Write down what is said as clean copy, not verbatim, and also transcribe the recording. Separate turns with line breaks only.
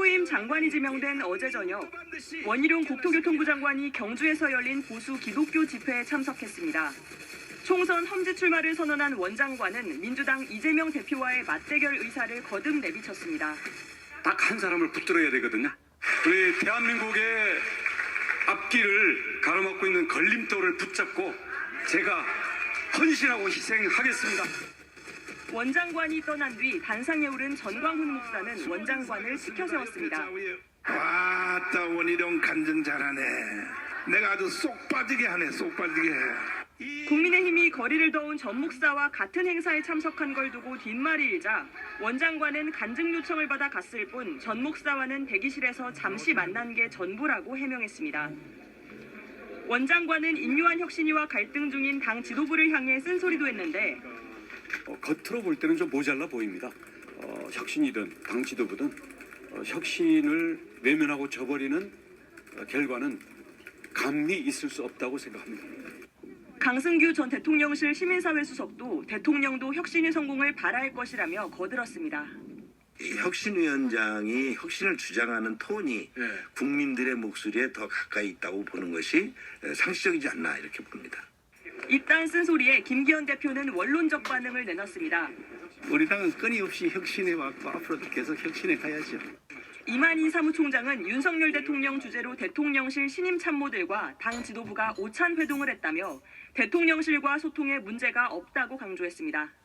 후임 장관이 지명된 어제 저녁 원희룡 국토교통부 장관이 경주에서 열린 보수 기독교 집회에 참석했습니다. 총선 험지 출마를 선언한 원 장관은 민주당 이재명 대표와의 맞대결 의사를 거듭 내비쳤습니다.
딱 한 사람을 붙들어야 되거든요. 우리 대한민국의 앞길을 가로막고 있는 걸림돌을 붙잡고 제가 헌신하고 희생하겠습니다.
원 장관이 떠난 뒤 단상에 오른 전광훈 목사는 원 장관을 지켜 세웠습니다.
와따 원희룡 간증 잘하네. 내가 아주 쏙 빠지게 하네. 쏙 빠지게 해.
국민의힘이 거리를 더운 전 목사와 같은 행사에 참석한 걸 두고 뒷말이 일자 원 장관은 간증 요청을 받아 갔을 뿐 전 목사와는 대기실에서 잠시 만난 게 전부라고 해명했습니다. 원 장관은 인류한 혁신위와 갈등 중인 당 지도부를 향해 쓴소리도 했는데
겉으로 볼 때는 좀 모자라 보입니다. 혁신이든 당 지도부든 혁신을 외면하고 저버리는 결과는 감히 있을 수 없다고 생각합니다.
강승규 전 대통령실 시민사회 수석도 대통령도 혁신의 성공을 바랄 것이라며 거들었습니다.
혁신위원장이 혁신을 주장하는 톤이 국민들의 목소리에 더 가까이 있다고 보는 것이 상식적이지 않나 이렇게 봅니다.
이딴 쓴소리에 김기현 대표는 원론적 반응을 내놨습니다.
우리 당은 끊임없이 혁신해 왔고 앞으로도 계속 혁신해 가야죠.
이만희 사무총장은 윤석열 대통령 주재로 대통령실 신임 참모들과 당 지도부가 오찬 회동을 했다며 대통령실과 소통에 문제가 없다고 강조했습니다.